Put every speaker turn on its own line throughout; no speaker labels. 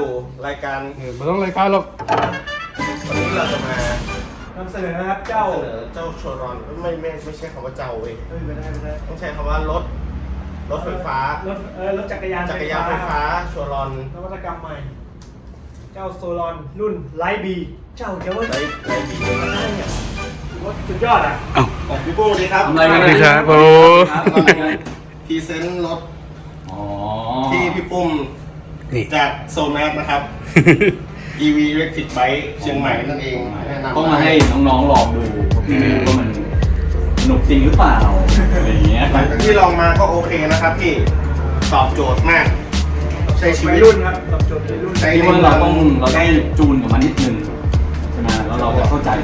สู่รายการ
ไม่ต้องรายการหรอก
วันนี้เราจะมาน
ำเสนอนะครับเจ้า
เสนอเจ้าโชรอนไม่ใช่คำว่าเจ้าเว้ย
ไม่ได้
ต้องใช้คำว่ารถไฟฟ้าร
ถจักรยาน
จักรยานไฟฟ้าโชรอน
นวัตกรรมใหม่ เจ้าโซลอนรุ่นไลท์บีเจ้าเดี๋ยวว่า
ไรบี
ได้เนี่ยถือว่าสุดยอดอ่ะ
ของพี่ปุ้งดีครับ
ทำอะไรกัน
สวัสดีครับโอ้
พรีเซนต์รถ
อ๋อ
ที่พี่ปุ้มจากโซแมสนะครับ EV Electric Bike เชียงใหม่นั่นเองแนะนำ
ต้องมาให้น้องๆลองดูพี่ไม่รู้ว่ามันสนุกจริงหรือเปล่าอะไรอย่างเงี้ย
หลังจากที่ลองมาก็โอเคนะครับพี่ตอบโจทย์มาก ใช้ชี
วั
วิ
ย
ต
รุ่นครับตอบโจทย์วัยรุ่น
ใช้
ที่ว่าเราต้องจูนกับมันนิดนึงใช่ไหมแล้วเราจะเข้าใจ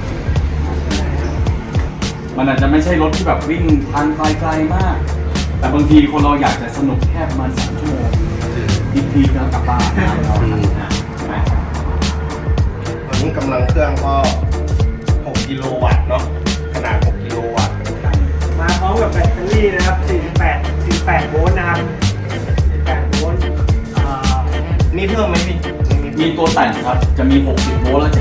มันอาจจะไม่ใช่รถที่แบบวิ่งทางไกลๆมาก แต่บางทีคนเราอยากจะสนุกแค่ประมาณ3 ชั่วโมงพีๆแล้วกลับบ้านเราใช่ไหม
ตอนนี้กำลังเครื่องก็6กิโลวัตต์เนาะขนาด6กิโลวัตต์
มาพร้อมกับแบตเตอรี่นะครับ48โวลต์นะครับ48โวลต์
นี่เพิ่มไหมพี่
มีตัวแต่งครับจะมี60โวลต์และ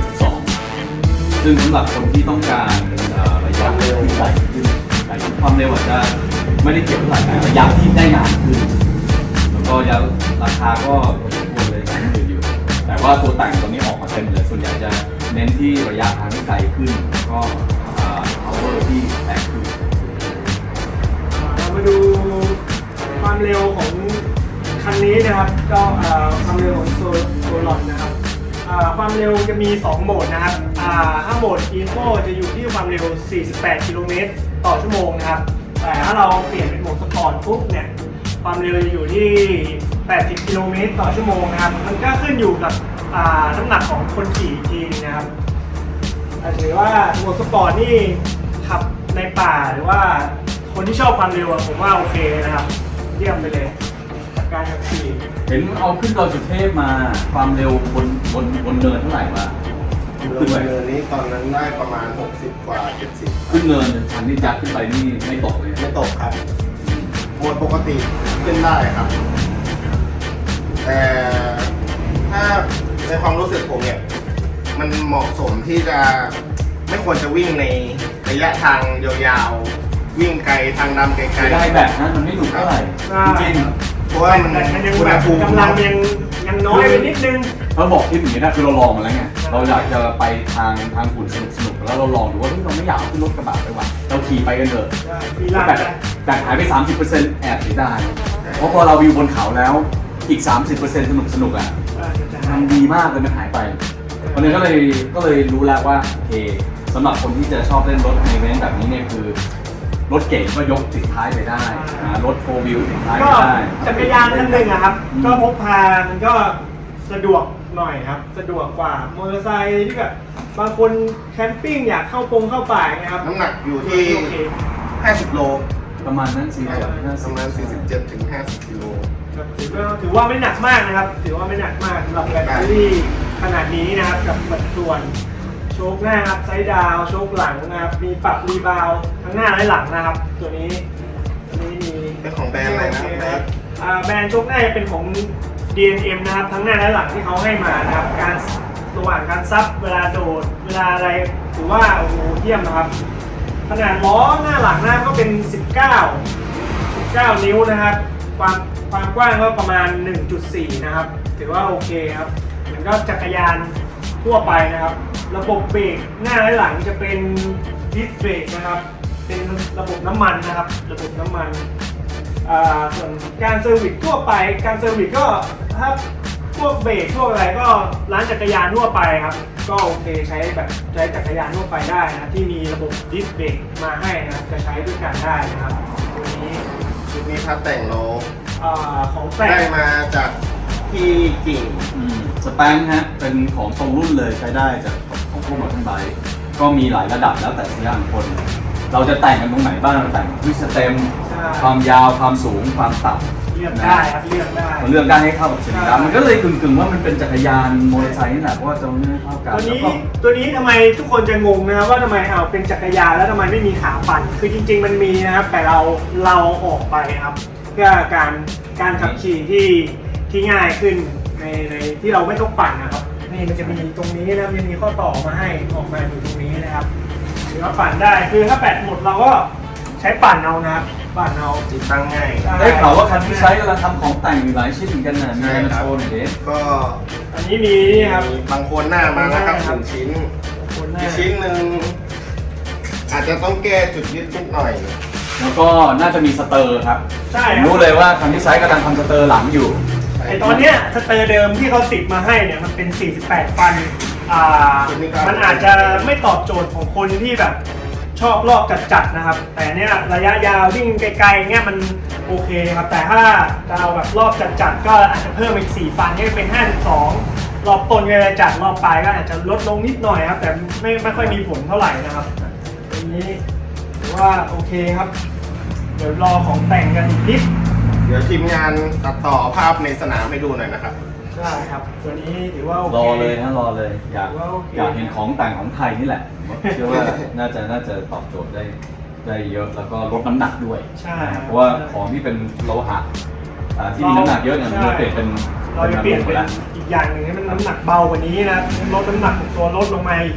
72ซึ่งสำหรับคนที่ต้องการระยะเร็วที่ไกลขึ้นแต่ความเร็วอาจจะไม่ได้เกี่ยวเท่าไหร่แต่ระยะที่ได้นานขึ้นแล้วก็ราคาก็ควรเลยกันอยู่แต่ว่าตัวแต่งตัวนี้ออกมาเต็มเลยส่วนใหญ่จะเน้นที่ระยะทางที่ไกลขึ้นแล้วก็power ที่แรงขึ้น
เรามาดูความเร็วของคันนี้นะครับก็ความเร็วของโซลอนนะครับความเร็วจะมี2โหมดนะครับถ้าโหมด Eco จะอยู่ที่ความเร็ว48กิโลเมตรต่อชั่วโมงนะครับแต่ถ้าเราเปลี่ยนเป็นโหมดสปอร์ตปุ๊บเนี่ยความเร็วจะอยู่ที่80กิโลเมตรต่อชั่วโมงนะครับมันก็ขึ้นอยู่กับน้ำหนักของคนขี่อีกทีนึงนะครับถือว่าโหมดสปอร์ตนี่ขับในป่าหรือว่าคนที่ชอบความเร็วผมว่าโอเคนะครับเยี่ยมไปเลยกับการขับขี่
เห็นเอาขึ้นดอยสุเทพมาความเร็วบนเนินเท่าไหร่วะ
ขึ้นไปเนินนี้ตอนนั้นได้ประมาณ60กว่า70
ขึ้นเนินชันที่ยัดขึ้นไปนี่ไม่ตกเลย
ไม่ตกครับโหมดปกติขึ้นได้ครับ แต่ถ้าในความรู้สึกผมเนี่ยมันเหมาะสมที่จะไม่ควรจะวิ่งในระยะทางยาวๆวิ่งไกลทางดำไกล
เสียดายแบบนั้นมันไม่หนุกเท่าไหร่จริง
ๆเพราะว่ามัน
แต่มันยัง
อุณ
แบ
ห
บ
ภูมิ
กำลังยังน้อยไปนิดนึง
ๆเราบอกที่อย่างนี้นะคือเราลองมาแล้วไงเราอยากจะไปทางหุ่นสนุกแล้วเราลองดูว่าเราไม่อยากขึ้นรถกระบะไปว่ะเราขี่ไปกันเถอะ
ฟีลา
แต่หายไป 30%แอบเสียดายเพราะพอเราวิวบนเขาแล้วอีก 30%สนุกอ่ะมันดีมากเลยมันหายไปวันนี้ก็เลยรู้แล้วว่าโอเคสำหรับคนที่จะชอบเล่นรถในเว้นแบบนี้เนี่ยคือรถเก๋งก็ยกติดท้ายไปได้รถ4 wheel ติดท้าย
ก็
ไปได้
จักรยานคันหนึ่งอะครับก็พกพามันก็สะดวกหน่อยครับสะดวกกว่ามอเตอร์ไซค์ที่แบบบางคนแคมปิ้งอยากเข้าป่านะครับ
น้ำหนักอยู่ที่
โอเค
50 โล
ประมาณนั้นสิ
ประมาณ47ถึง50กิโล
ครับถือว่าไม่หนักมากนะครับ ถือว่าไม่หนักมากสำหรับแบตเตอรี่ขนาดนี้นะครับกับสัดส่วนโชคหน้าครับไซด์ดาวน์โชคหลังนะครับมีปรับรีบาวด์ทั้งหน้าและหลังนะครับตัวนี้มี
เป็นของแบรนด์อะไรนะแบรนด์
แบรนด์โชคหน้าจะเป็นของ DNM นะครับทั้งหน้าและหลังที่เขาให้มานะครับการระหว่างการซับเวลาโดดเวลาอะไรถือว่าโอ้โหเยี่ยมนะครับขนาดล้อหน้าหลังหน้าก็เป็น19 นิ้วนะครับความกว้างก็ประมาณ 1.4 นะครับถือว่าโอเคครับเหมือนก็จักรยานทั่วไปนะครับระบบเบรกหน้าและหลังจะเป็นดิสเบรกนะครับเป็นระบบน้ำมันนะครับระบบน้ำมันส่วนการเซอร์วิสทั่วไปการเซอร์วิสก็ถ้าพวกเบรกพวกอะไรก็ร้านจักรยานทั่วไปครับก็โอเคใช้จักรยานทั่วไปได้นะที่มีระบบดิสเบรกมาให้นะครับจะใช้ด้วยกันได้นะครับตัวนี้
ชุดนี้พัดแต่งเรา
ของแต่
ได้
ง
มาจากที่กิ่ง
สแปงฮะเป็นของตรงรุ่นเลยใช้ได้จากของพวกมอเตอร์ไบค์ก็มีหลายระดับแล้วแต่สัญญาณคน เราจะแต่งกันตรงไหนบ้างเราแต่งด้วยสเต็มความยาวความสูงความต่ำ
เลือกได้ครับเลือกได้
มันเลือกได้ให้เข้ากับสรีระมันก็เลยกึ่งๆว่ามันเป็นจักรยานมอเตอร์ไซค์นี่แหละเพราะว่าจะไม่เข้ากัน
ตัวนี้ทำไมทุกคนจะงงนะครับว่าทำไมเป็นจักรยานแล้วทำไมไม่มีขาปั่นคือจริงๆมันมีนะครับแต่เราออกไปครับเพื่อการขับขี่ที่ง่ายขึ้นในที่เราไม่ต้องปั่นนะครับนี่มันจะมีตรงนี้นะมันมีข้อต่อมาให้ออกมาอยู่ตรงนี้นะครับหรือว่าปั่นได้คือถ้าแบตหมดเราก็ใช้ปั่นเอานะครับปั่นเอา
ติดตั้งง่าย
ได้ข่าวว่าคันที่ใช้กำลังทำของแต่งอยู่หลายชิ้นเหมือนกันนะมีอะไรมาโชว์หน่อยดิ
ก็
อันนี้มีนี่ครับ
มีบางคนหน้ามานะครับ
ครับ
1 ชิ้น
คนหน้า
อีกชิ้นหนึ่งอาจจะต้องแก้จุดยึดนิดหน่อย
แล้วก็น่าจะมีสเตอร์ครับ
ใช่
ผม
ครับ
รู้เลยว่าคันที่ใช้กำลังทำสเตอร์หลังอยู่
ไอตอนเนี้ยสเตอร์เดิมที่เขาติดมาให้เนี่ยมันเป็น 48 ฟันมันอาจจะไม่ตอบโจทย์ของคนที่แบบชอบรอบจัดๆนะครับ แต่เนี้ยระยะยาววิ่งไกลๆเงี้ยมันโอเคครับ แต่ถ้าจะเอาแบบรอบจัดๆก็อาจจะเพิ่มอีก4ฟันให้เป็น 52 รอบต้นก็จะจัดรอบปลายก็อาจจะลดลงนิดหน่อยครับ แต่ไม่ค่อยมีผลเท่าไหร่นะครับอันนี้ถือว่าโอเคครับ เดี๋ยวรอของแต่งกันอีกนิด
เดี๋ยวทีมงานตัดต่อภาพในสนามให้ดูหน่อยนะครับ
ใช่ครับ ตัวนี้ถือว่าโอเค
รอเลยนะรอเลยอยาก
ว่าโอเค
อยากเห็นของแต่งของไทยนี่แหละเชื่อว่าน่าจะตอบโจทย์ได้เยอะแล้วก็ลดน้ำหนักด้วย
ใช่
เพราะว่าของที่เป็นโลหะที่มีน้ำหนักเยอะเนี่ยมันจะเปลี่ยนเป็น
เราจะเปลี่ยนเป็น
แล้ว
อีกอย่างหนึ่งให้มันน้ำหนักเบากว่านี้นะลดน้ำหนักของตัวลดลงมาอีก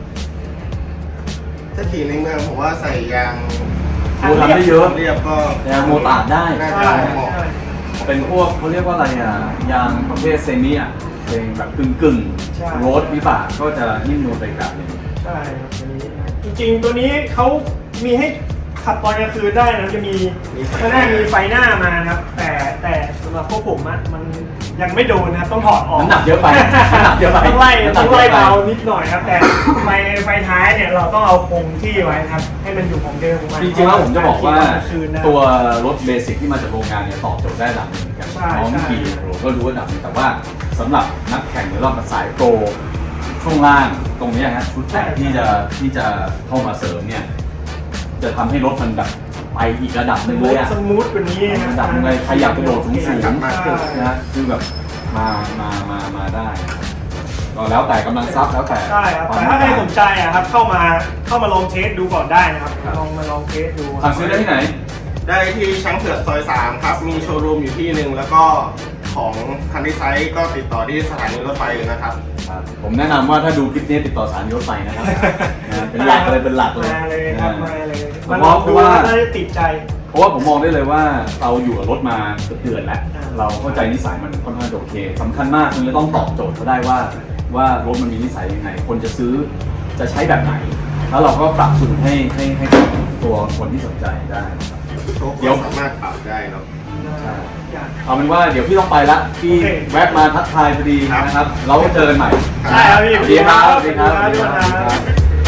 ถ้าขี่ในเมืองผมว่าใส่ยาง
ดูทำได้เยอะ
เรียบก็
ยางโมตาร์ดได้
น่า
ใช่
จะเหมาะ
ใช่
เป็นพวกเขาเรียกว่าอะไรยางประเภทเซมิเป็นแบบกึ่ง
ใช่
โรดวิบากก็จะนิ่มนวลไปแบบหนึง
ใช่ครับตัวนี้จริงๆตัวนี้เขามีให้ขับตอนกลางคืนได้นะจะมีข้างหน้ามีไฟหน้ามานะครับ แต่สำหรับพวกผมอะมันยังไม่โดนนะครับต้องถอดออก
น้ำหนักเยอะไปน้ำหนักเยอะไป
ต้องไล่
น้ำหนั
ต้
ก
อง
เย
ไล่
อะไป
เบานิดหน่อยครับ แต่ไฟท้ายเนี่ยเราต้องเอาคงที่ไว้ครับ ให้มันอยู่ของเดิมของมัน
จริงๆแล้วผมจะบอกว่า
ตนกลงคืนนะ
ตัวรถเบสิกที่มาจากโรงงานเนี่ยตอบโจทย์ได้ระดับหนึ่งอย่าง
ใช่
น้อง
ใช่
ขี่โปรก็รู้ระดับหนึงแต่ว่าสำหรับนักแข่งหรือรอบสายโปรช่วงล่างตรงเนี้ยฮะชุดแต่งที่จะเข้ามาเสริมเนี่ยจะทำให้รถมันแบบไปอีกระดับหนึ่งเลยอะ
สมูทกว่านี้นะ
ระดับหนึ่งเลยใครอยากกระโดดสูง
ใช่
ๆนะฮะคือแบบมาได้ก็แล้วแต่กำลังทรัพย์แล้วแต่
ใช่ครับแต่ถ้าใครสนใจอะครับเข้ามาลองเทสดูก่อนได้นะครับมาลองเทสดู
สั่งซื้อได้ที่ไหน
ได้ที่ช้างเผือกซอย 3 ครับ มีโชว์รูมอยู่ที่หนึ่งแล้วก็ของคันที่ไซส์ก็ติดต่อที่สถานีรถไฟเลยนะครับ
ผมแนะนำว่าถ้าดูคลิปนี้ติดต่อสารยศไปนะครับนะเป็นหลักเลย
มาเลยครับมาเลย
เพ
มาลองดู
ราะว่า
น่าจะติดใจ
เพราะว่าผมมองได้เลยว่าเราอยู่กับรถมาเกือบเดือนแล้ว
อ่า
เราเข้าใจนิสัยมันค่อนข้างโอเคสำคัญมากคือจะต้องตอบโจทย์เขาได้ว่ารถมันมีนิสัยยังไง คนจะซื้อจะใช้แบบไหน แล้วเราก็ปรับสูตรให้ตัวคนที่สนใจได้นะครับ
โชค
เดี๋ยว
สามารถปรับได้เนาะ
ใช่เอาเป็นว่าเดี๋ยวพี่ต้องไปละพี่
โอเค
แวะมาทักทายพอดีนะครับ เราเจอกันใหม่
ใช่ครับพี่
สวัสดีครับ
สวัสดีครับสวัสดีครับ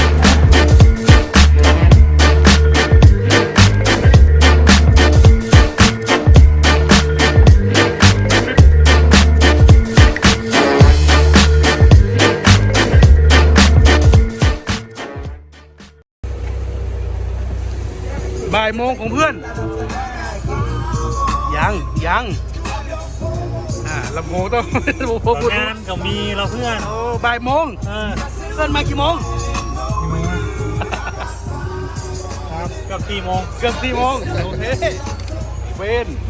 บ่ายโมงของเพื่อน ยังลำโพงต้อง ลำโพงพูด
งานก็มีเราเพื่อน
โอ้บ่ายโมง เพื่อนมากี่โมง
เกือบ4 โมง
เกือบ4 โมงโอเคเวน